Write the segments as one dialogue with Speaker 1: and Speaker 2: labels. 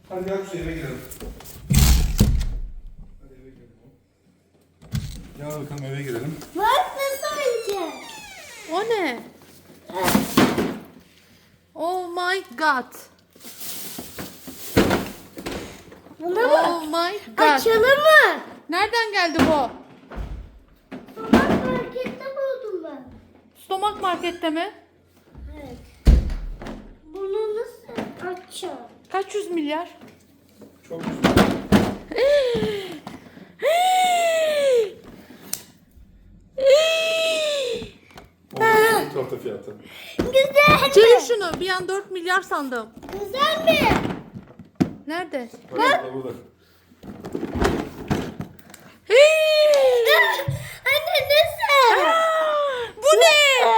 Speaker 1: Hadi gel Kuzey eve girelim. Hadi eve girelim. Gel bakalım eve girelim.
Speaker 2: Bak nasıl oyuncak.
Speaker 3: O ne? Oh my god.
Speaker 2: Buna bak.
Speaker 3: Oh my god.
Speaker 2: Açalım mı?
Speaker 3: Nereden geldi bu?
Speaker 2: Sabah markette buldum ben.
Speaker 3: Stomak markette mi?
Speaker 2: Evet. Bunu nasıl açacağım?
Speaker 3: Kaç yüz milyar?
Speaker 1: Çok güzel. Onun torta fiyatı.
Speaker 2: Güzel
Speaker 3: Çevir
Speaker 2: mi?
Speaker 3: şunu. Bir an 4 milyar sandım.
Speaker 2: Güzel mi?
Speaker 3: Nerede?
Speaker 1: Bak burada.
Speaker 2: Anne nasıl?
Speaker 3: Bu ne?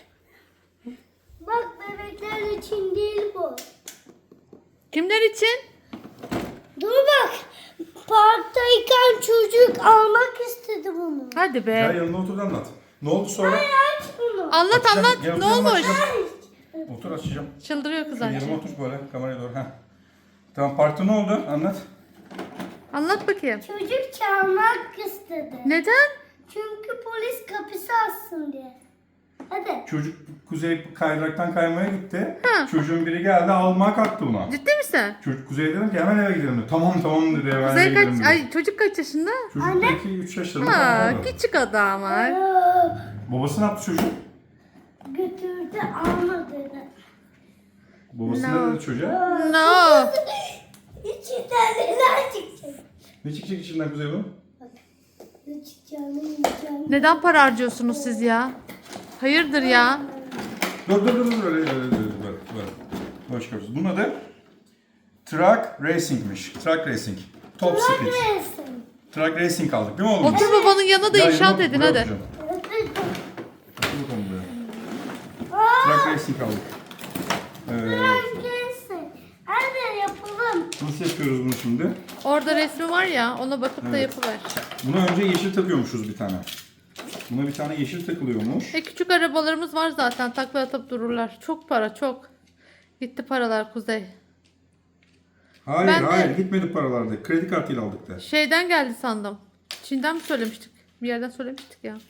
Speaker 2: Bak bebekler için değil bu.
Speaker 3: Kimler için?
Speaker 2: Dur bak. Parktayken çocuk almak istedi bunu.
Speaker 3: Hadi
Speaker 1: Gel
Speaker 3: be.
Speaker 1: yanına otur da anlat. Ne oldu sonra?
Speaker 2: Aç bunu.
Speaker 3: Anlat
Speaker 1: Açacağım.
Speaker 3: anlat.
Speaker 1: Gel
Speaker 3: Ne
Speaker 1: oturalım,
Speaker 3: olmuş?
Speaker 1: açacağım. Otur açacağım.
Speaker 3: Çıldırıyor kız
Speaker 1: Yanıma
Speaker 3: anne.
Speaker 1: otur böyle kameraya doğru. Heh. Tamam parkta ne oldu? Anlat.
Speaker 3: Anlat bakayım.
Speaker 2: Çocuk çalmak istedi.
Speaker 3: Neden?
Speaker 2: Çünkü polis kapısı açsın diye. Hadi.
Speaker 1: Çocuk Kuzey kaydıraktan kaymaya gitti.
Speaker 3: Ha.
Speaker 1: Çocuğun biri geldi almaya kalktı buna.
Speaker 3: Ciddi misin?
Speaker 1: Çocuk Kuzey dedim ki hemen eve gidelim dedi. Tamam dedi hemen eve
Speaker 3: Kuzey
Speaker 1: gidelim
Speaker 3: kaç?
Speaker 1: dedi.
Speaker 3: Ay çocuk kaç yaşında?
Speaker 1: Çocuk
Speaker 2: Anne.
Speaker 1: belki 3 yaşlarında
Speaker 3: Ha,
Speaker 1: falan oldu.
Speaker 3: küçük adam var.
Speaker 1: Babası ne yaptı çocuk?
Speaker 2: Götürdü almadı.
Speaker 1: Babası
Speaker 3: No.
Speaker 1: ne dedi çocuğa?
Speaker 3: No.
Speaker 2: İçinden neler çıkacak?
Speaker 1: Ne çıkacak içinden Kuzey bunun?
Speaker 2: Ne çıkacağını yiyeceğim.
Speaker 3: Neden para harcıyorsunuz siz ya? Hayırdır ya?
Speaker 1: Dur öyle. Böyle çıkarıyoruz. Bunun adı Truck Racing'miş. Truck Racing. Top Speed.
Speaker 2: Resim.
Speaker 1: Truck Racing aldık değil mi oğlum?
Speaker 3: Otur babanın yanına da
Speaker 1: Gel
Speaker 3: inşaat
Speaker 1: yanıma
Speaker 3: edin
Speaker 1: buraya
Speaker 3: hadi.
Speaker 1: oturacağım. Otur bakalım buraya. Truck Racing aldık.
Speaker 2: Resim. Hadi yapalım.
Speaker 1: Nasıl yapıyoruz bunu şimdi?
Speaker 3: Orada resmi var ya, ona bakıp da
Speaker 1: Evet.
Speaker 3: yapıver.
Speaker 1: Buna önce yeşil takıyormuşuz bir tane. Buna bir tane yeşil takılıyormuş.
Speaker 3: Küçük arabalarımız var zaten, takla atıp dururlar. Çok para, çok. Gitti paralar Kuzey. Ben de-
Speaker 1: Hayır gitmedi paralarda. Kredi kartıyla aldık da.
Speaker 3: Şeyden geldi sandım. Çin'den mi söylemiştik? Bir yerden söylemiştik ya.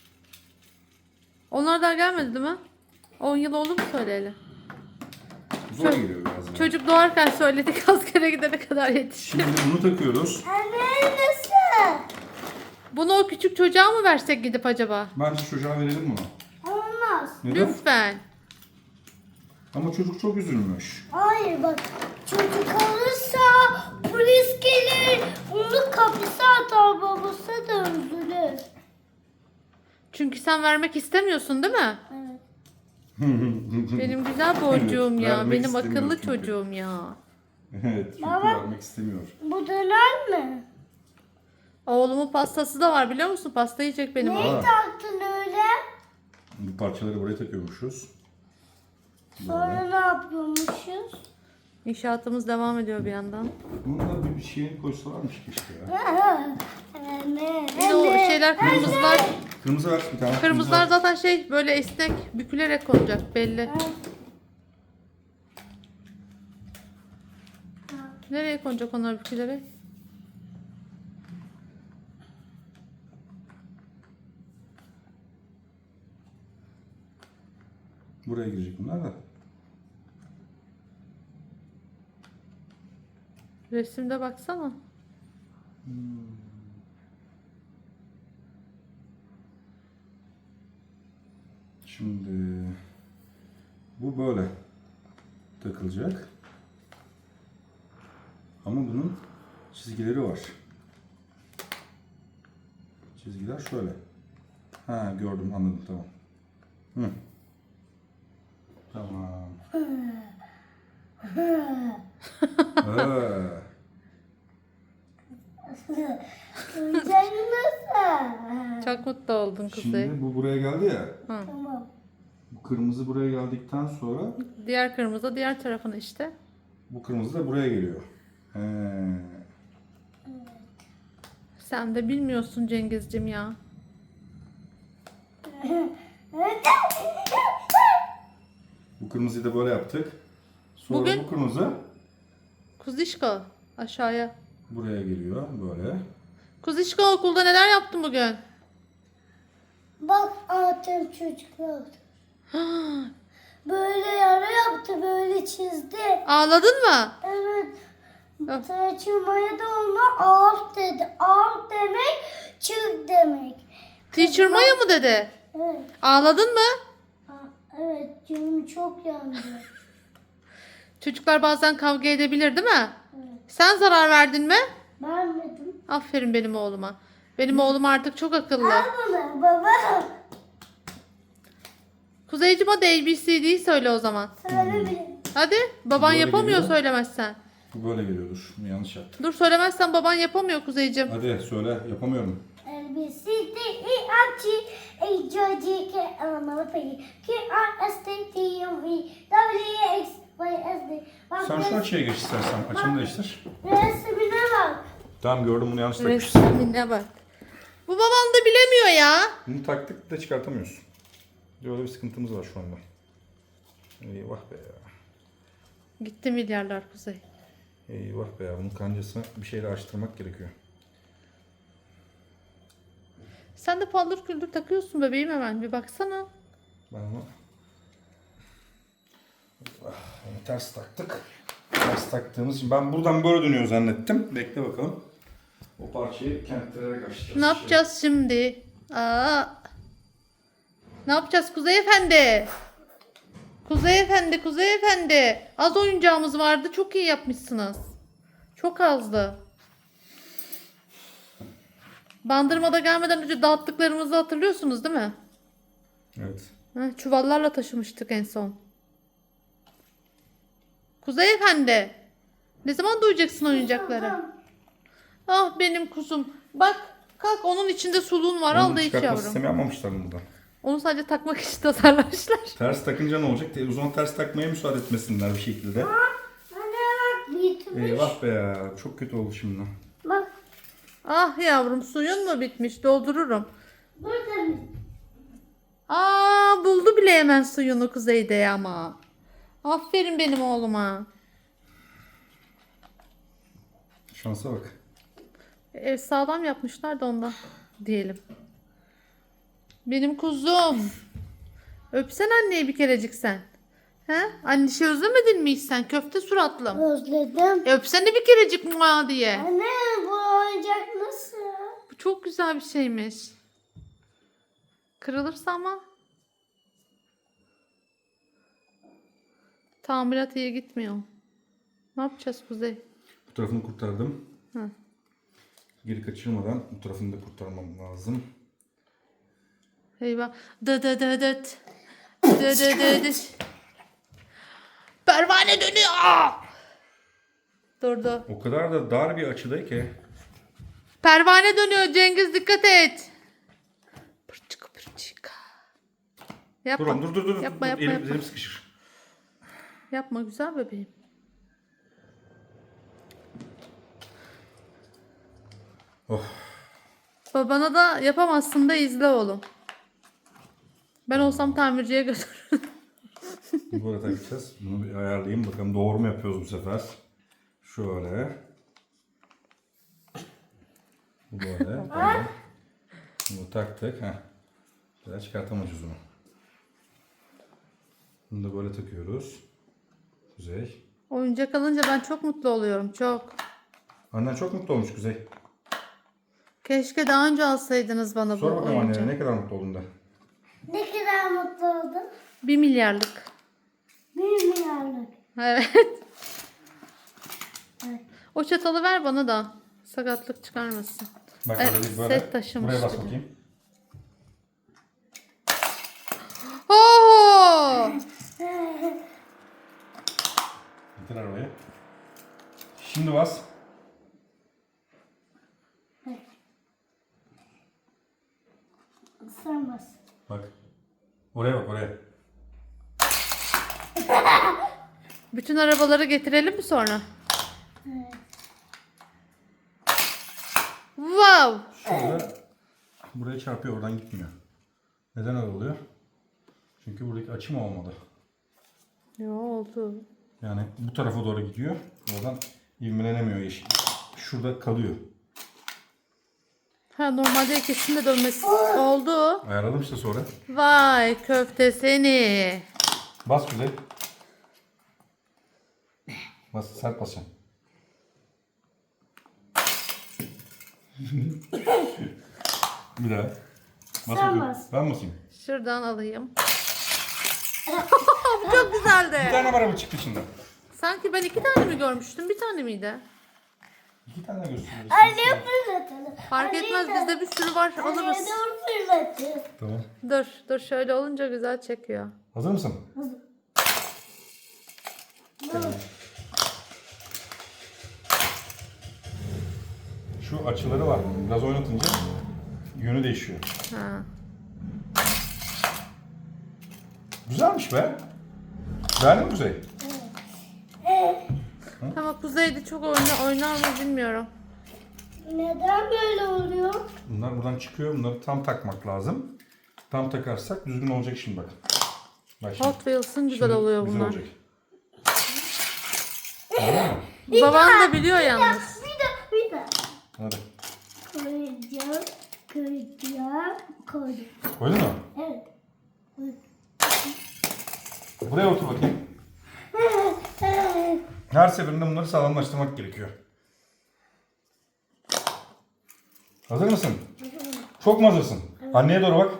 Speaker 3: Onlardan gelmedi değil mi? 10 yıl oldu mu söyleyeli?
Speaker 1: Zor geliyor biraz. Yani.
Speaker 3: Çocuk doğarken söyledik, askere gidene kadar yetişti.
Speaker 1: Şimdi bunu takıyoruz.
Speaker 2: Anne nasıl?
Speaker 3: Bunu o küçük çocuğa mı versek gidip acaba?
Speaker 1: Bence çocuğa verelim bunu.
Speaker 2: Olmaz.
Speaker 1: Neden?
Speaker 3: Lütfen.
Speaker 1: Ama çocuk çok üzülmüş.
Speaker 2: Hayır bak. Çocuk alırsa polis gelir. Onu kapısı atar, babası da üzülür.
Speaker 3: Çünkü sen vermek istemiyorsun değil mi?
Speaker 2: Evet.
Speaker 3: Benim güzel borcuğum
Speaker 1: Evet,
Speaker 3: ya.
Speaker 1: vermek
Speaker 3: Benim
Speaker 1: istemiyor
Speaker 3: akıllı
Speaker 1: çünkü.
Speaker 3: çocuğum ya.
Speaker 1: Evet, çünkü
Speaker 2: Baba.
Speaker 1: vermek istemiyor.
Speaker 2: Bu döner mi?
Speaker 3: Oğlumun pastası da var biliyor musun? Pasta yiyecek benim
Speaker 2: Neyi
Speaker 3: oğlum.
Speaker 2: taktın öyle?
Speaker 1: Bu parçaları buraya takıyormuşuz.
Speaker 2: Sonra ne yapıyormuşuz?
Speaker 3: İnşaatımız devam ediyor bir yandan.
Speaker 1: Bunu da bir şeye koysalarmış keşke ya.
Speaker 2: Anne.
Speaker 3: Bir de o şeyler kırmızılar.
Speaker 1: Kırmızı ver bir tane.
Speaker 3: Kırmızılar zaten şey böyle esnek bükülerek olacak belli. Nereye konacak onlar bükülerek?
Speaker 1: Buraya girecek bunlar da.
Speaker 3: Resimde baksana.
Speaker 1: Şimdi bu böyle takılacak. Ama bunun çizgileri var. Çizgiler şöyle. Ha gördüm anladım tamam. Hı. Tamam.
Speaker 2: Oyuncak nasıl?
Speaker 3: Çok mutlu oldun Kuzey.
Speaker 1: Şimdi bu buraya geldi ya.
Speaker 2: Tamam.
Speaker 1: Bu kırmızı buraya geldikten sonra
Speaker 3: Diğer kırmızı diğer tarafına işte.
Speaker 1: bu kırmızı da buraya geliyor. He.
Speaker 3: Sen de bilmiyorsun Cengizciğim ya.
Speaker 1: Bu kırmızıyı da böyle yaptık. Sonra
Speaker 3: Bugün-
Speaker 1: bu kırmızı
Speaker 3: Kuzişko aşağıya.
Speaker 1: Buraya geliyor böyle.
Speaker 3: Kuzişko okulda neler yaptın bugün?
Speaker 2: Bak anlatayım çocuklar. Böyle yara yaptı, böyle çizdi.
Speaker 3: Ağladın mı?
Speaker 2: Evet.
Speaker 3: Of.
Speaker 2: Taçılmaya da ona ağaç dedi. Ağaç demek çık demek.
Speaker 3: Teacher Maya mı dedi?
Speaker 2: Evet.
Speaker 3: Ağladın mı?
Speaker 2: Evet, canım çok yandı.
Speaker 3: Çocuklar bazen kavga edebilir değil mi?
Speaker 2: Evet.
Speaker 3: Sen zarar verdin mi?
Speaker 2: Vermedim.
Speaker 3: Aferin benim oğluma. Benim oğlum artık çok akıllı.
Speaker 2: Al bunu baba.
Speaker 3: Kuzeycim hadi ABCD'yi söyle o zaman.
Speaker 2: Söyle bir.
Speaker 3: Hadi. Baban
Speaker 1: Böyle
Speaker 3: yapamıyor
Speaker 1: geliyor.
Speaker 3: söylemezsen.
Speaker 1: Bu böyle geliyordur. Yanlış yaptım.
Speaker 3: Dur söylemezsen baban yapamıyor Kuzeycim.
Speaker 1: Hadi söyle. Yapamıyorum.
Speaker 2: L, B, C, D, E, F, G, H, I, J, K, L, M, N, P, Q, R, S, T, U, V, W, X, Y, S, D. Bak
Speaker 1: Sen şu açıya geç istersen. Açını değiştir.
Speaker 2: resmine bak.
Speaker 1: Tamam gördüm bunu yanlış takmışsın.
Speaker 3: Resmine bak. Bu babam da bilemiyor ya.
Speaker 1: Bunu taktık da çıkartamıyorsun. Böyle bir sıkıntımız var şu anda. Eyvah be ya.
Speaker 3: Gitti milyarlar Kuzey.
Speaker 1: Eyvah be ya. Bunun kancasını bir şeyle açtırmak gerekiyor.
Speaker 3: Sen de paldır küldür takıyorsun bebeğim hemen. Bir baksana.
Speaker 1: Ben onu... Onu ters taktık. Ters taktığımız için ben buradan böyle dönüyor zannettim. Bekle bakalım. O parçayı kentlere açacağız.
Speaker 3: Ne yapacağız şimdi? Aa. Ne yapacağız Kuzey Efendi? Kuzey Efendi, Kuzey Efendi. Az oyuncağımız vardı. Çok iyi yapmışsınız. Çok azdı. Bandırmada gelmeden önce dağıttıklarımızı hatırlıyorsunuz değil mi?
Speaker 1: Evet.
Speaker 3: Çuvallarla taşımıştık en son. Kuzey Efendi. Ne zaman duyacaksın oyuncakları? Ah benim kuzum. Bak kalk onun içinde suluğun var. Al
Speaker 1: Onu
Speaker 3: da iç
Speaker 1: çıkartma
Speaker 3: yavrum.
Speaker 1: sistemi yapmamışlar burada.
Speaker 3: Onu sadece takmak için tasarlamışlar.
Speaker 1: Ters takınca ne olacak? Televizyona ters takmaya müsaade etmesinler bir şekilde.
Speaker 2: Anne bak bitmiş.
Speaker 1: Eyvah be ya. Çok kötü oldu şimdi.
Speaker 2: Bak
Speaker 3: Ah yavrum suyun mu bitmiş? Doldururum.
Speaker 2: burada mı?
Speaker 3: Aa buldu bile hemen suyunu Kuzey'de ama. Aferin benim oğluma.
Speaker 1: Şansa bak.
Speaker 3: Ev sağlam yapmışlar da ondan diyelim. Benim kuzum. Öpsen anneyi bir kerecik sen. He? Annişi özlemedin mi hiç sen? Köfte suratlım.
Speaker 2: Özledim.
Speaker 3: Öpsene bir kerecik mua diye.
Speaker 2: Anne bu oyuncak nasıl?
Speaker 3: Bu çok güzel bir şeymiş. Kırılırsa ama. Tamirat iyi gitmiyor. Ne yapacağız Kuzey?
Speaker 1: Bu tarafını kurtardım.
Speaker 3: Hı.
Speaker 1: Geri kaçırmadan bu tarafını da kurtarmam lazım.
Speaker 3: Eyvah. Dı dı dı dıt. Dı dı dı dıt. Pervane dönüyor. Durdu.
Speaker 1: O kadar da dar bir açıda ki.
Speaker 3: Pervane dönüyor Cengiz dikkat et. Pırçık pırçık. Yapma.
Speaker 1: Dur.
Speaker 3: Yapma, yapma,
Speaker 1: Elim,
Speaker 3: yapma.
Speaker 1: elim sıkışır.
Speaker 3: Yapma güzel bebeğim.
Speaker 1: Oh.
Speaker 3: Babana da yapamazsın da izle oğlum. Ben olsam tamirciye götürürüm.
Speaker 1: Böyle takacağız. Bunu bir ayarlayayım. Bakalım doğru mu yapıyoruz bu sefer. Şöyle. Bu böyle. Tamam. Bunu taktık. Heh. Daha çıkartamayacağız onu. Bunu da böyle takıyoruz. Kuzey.
Speaker 3: Oyuncak alınca ben çok mutlu oluyorum çok.
Speaker 1: Annen çok mutlu olmuş Kuzey.
Speaker 3: Keşke daha önce alsaydınız bana bu
Speaker 1: Sor bakalım
Speaker 3: oyuncağı.
Speaker 1: annene ne kadar mutlu oldun da.
Speaker 2: Ne kadar mutlu oldum.
Speaker 3: 1 milyarlık.
Speaker 2: 1 milyarlık.
Speaker 3: Evet.
Speaker 2: Evet.
Speaker 3: O çatalı ver bana da. Sakatlık çıkarmasın.
Speaker 1: Bak
Speaker 3: Evet,
Speaker 1: böyle biz böyle.
Speaker 3: set taşımış
Speaker 1: Buraya bas
Speaker 3: bir de.
Speaker 1: bakayım.
Speaker 3: Oo!
Speaker 1: Getir arabayı. Şimdi bas.
Speaker 2: Sen bas.
Speaker 1: Bak. Oraya bak oraya.
Speaker 3: Bütün arabaları getirelim mi sonra?
Speaker 2: Evet.
Speaker 3: Wow!
Speaker 1: Şurada buraya çarpıyor oradan gitmiyor. Neden öyle oluyor? Çünkü buradaki açım olmadı.
Speaker 3: Ne oldu?
Speaker 1: Yani bu tarafa doğru gidiyor. Oradan İvmelenemiyor yeşil. Şurada kalıyor.
Speaker 3: Ha normalde ikisinin de dönmesi oldu.
Speaker 1: Ayarladım işte sonra.
Speaker 3: Vay köfte seni.
Speaker 1: Bas Kuzey. Bas, sert basacaksın. Bir daha. Bas
Speaker 2: Sen
Speaker 1: bakayım.
Speaker 2: bas.
Speaker 1: Ben basayım.
Speaker 3: Şuradan alayım. Bu çok
Speaker 1: Bir
Speaker 3: güzeldi.
Speaker 1: tane var mı çıktı içinden?
Speaker 3: Sanki ben 2 tane mi görmüştüm? Bir tane miydi?
Speaker 1: 2 tane gösteriyorsun.
Speaker 2: Anne fırlatalım.
Speaker 3: Fark etmez bizde bir sürü var
Speaker 2: Anne
Speaker 3: alırız.
Speaker 2: dur fırlatın.
Speaker 1: Tamam.
Speaker 3: Dur şöyle olunca güzel çekiyor.
Speaker 1: Hazır mısın? Şu açıları var. Biraz oynatınca yönü değişiyor.
Speaker 3: Ha.
Speaker 1: Güzelmiş be. Beğendin mi Kuzey?
Speaker 3: Ama kuzeyde çok oynar mı bilmiyorum.
Speaker 2: Neden böyle oluyor?
Speaker 1: Bunlar buradan çıkıyor. Bunları tam takmak lazım. Tam takarsak düzgün olacak şimdi bak. Bak şimdi.
Speaker 3: Hot Wheels'ın güzel
Speaker 1: Şimdi
Speaker 3: oluyor
Speaker 1: güzel
Speaker 3: bunlar.
Speaker 1: olacak. Anladın mı?
Speaker 3: Baban da biliyor yalnız.
Speaker 2: Bir de.
Speaker 1: Hadi.
Speaker 2: Koyacağım. Koydum.
Speaker 1: Koydun mu?
Speaker 2: Evet.
Speaker 1: Buraya otur bakayım. Her seferinde bunları sağlamlaştırmak gerekiyor. Hazır mısın? Çok mu hazırsın? Anneye doğru bak.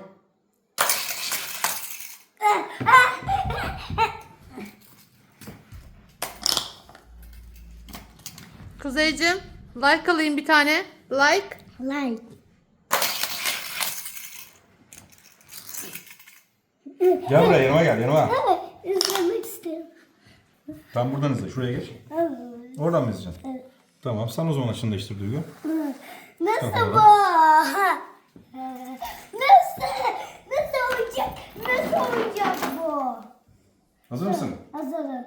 Speaker 3: Kuzeycim like alayım bir tane. Like.
Speaker 2: Like.
Speaker 1: Gel buraya yanıma gel yanıma.
Speaker 2: Evet. İzlemek isterim.
Speaker 1: Tam buradan izle. Şuraya geç.
Speaker 2: Evet.
Speaker 1: Oradan mı izleyeceksin?
Speaker 2: Evet.
Speaker 1: Tamam. Sen o zaman açını değiştir Duygu.
Speaker 2: Nasıl
Speaker 1: Tamam.
Speaker 2: bu? Nasıl olacak? Nasıl olacak bu?
Speaker 1: Hazır mısın?
Speaker 2: Hazırım.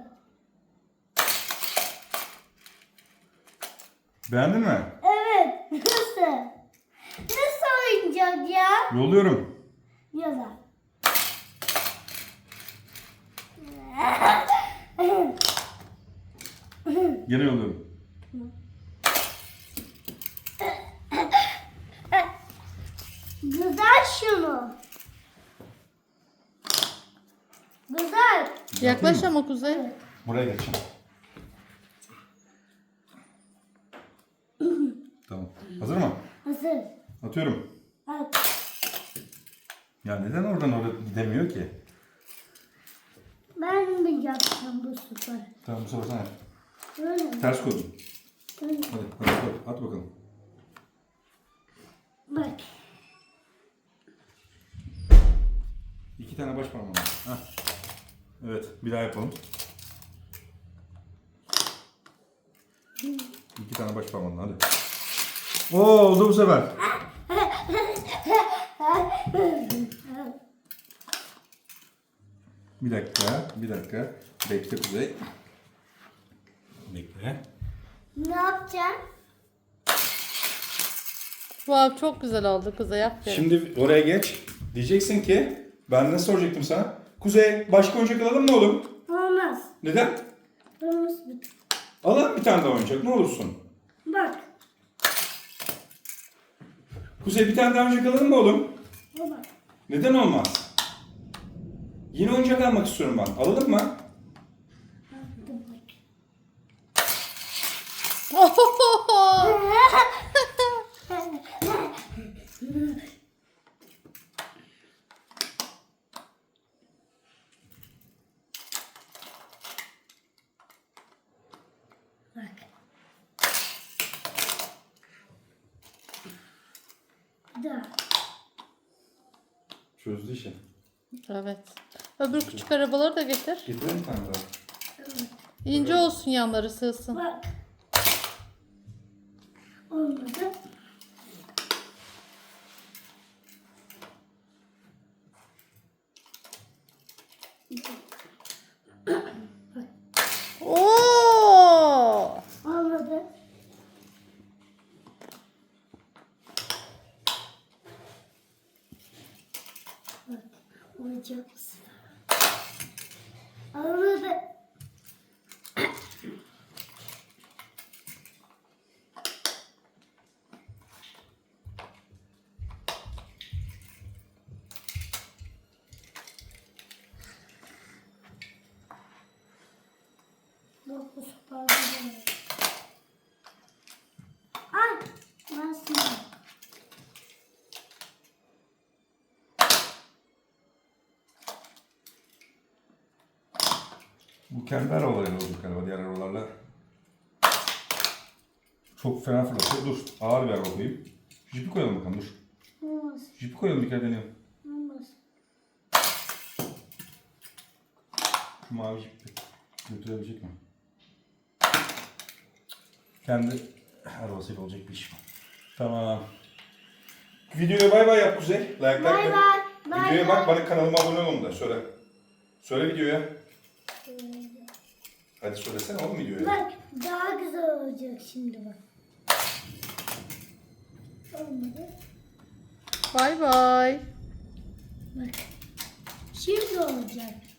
Speaker 1: Beğendin mi?
Speaker 2: Evet. Nasıl? Nasıl oyuncak ya?
Speaker 1: Yolluyorum.
Speaker 2: Yazar.
Speaker 1: Gene yolluyorum.
Speaker 2: Güzel şunu. Güzel.
Speaker 3: Yaklaş ama Kuzey.
Speaker 1: Buraya geç. Tamam. Hazır mı?
Speaker 2: Hazır.
Speaker 1: Atıyorum.
Speaker 2: At.
Speaker 1: Ya neden oradan oraya gidemiyor ki?
Speaker 2: Ben mi yapacağım bu sefer?
Speaker 1: Tamam bu sefer sen yap.
Speaker 2: Böyle mi?
Speaker 1: Ters koydum.
Speaker 2: Böyle.
Speaker 1: Hadi at bakalım.
Speaker 2: Bak.
Speaker 1: 2 tane baş parmağım var. Hah. Evet bir daha yapalım. 2 tane baş parmağımla hadi. Oo oldu bu sefer. Bir dakika. Bekle Kuzey. Bekle.
Speaker 2: Ne yapacağım?
Speaker 3: Wow çok güzel oldu Kuzey aferin.
Speaker 1: Şimdi oraya geç. Diyeceksin ki ben ne soracaktım sana? Kuzey başka oyuncak alalım mı oğlum?
Speaker 2: Olmaz.
Speaker 1: Neden?
Speaker 2: Olmaz.
Speaker 1: Alalım bir tane daha oyuncak ne olursun?
Speaker 2: Bak.
Speaker 1: Kuzey bir tane daha oyuncak alalım mı oğlum?
Speaker 2: Olmaz.
Speaker 1: Neden olmaz? Yeni oyuncak almak istiyorum ben. Alalım mı?
Speaker 2: Bak. Da.
Speaker 1: Çözdü işi.
Speaker 3: Evet. Öbür küçük arabaları da getir.
Speaker 1: Getirelim bir tane daha.
Speaker 3: İnce olsun yanları sığsın.
Speaker 2: Bak. Olmadı.
Speaker 3: Oo!
Speaker 2: Olmadı. Bak. Olacak mısın? Olmadı.
Speaker 1: Bu kendi arabalarıyla olacak galiba, diğer arabalarla. Çok fena fırlatıyor. Dur, ağır bir araba koyayım. Jipi koyalım bakalım, dur.
Speaker 2: Olmaz.
Speaker 1: Jipi koyalım, bir kere deneyelim.
Speaker 2: Olmaz.
Speaker 1: Şu mavi jipi götürebilecek mi? Kendi arabasıyla olacak bir iş mi? Tamam. Videoya bay bay yap Kuzey. Like
Speaker 2: Bay
Speaker 1: like.
Speaker 2: bay. Bay
Speaker 1: Videoya bak,
Speaker 2: bay.
Speaker 1: bana kanalıma abone olun da söyle. Söyle videoya. Hadi söylesene oğlum videoya.
Speaker 2: Bak daha güzel olacak şimdi bak. Olmadı.
Speaker 3: Bay bay.
Speaker 2: Bak. Şimdi olacak.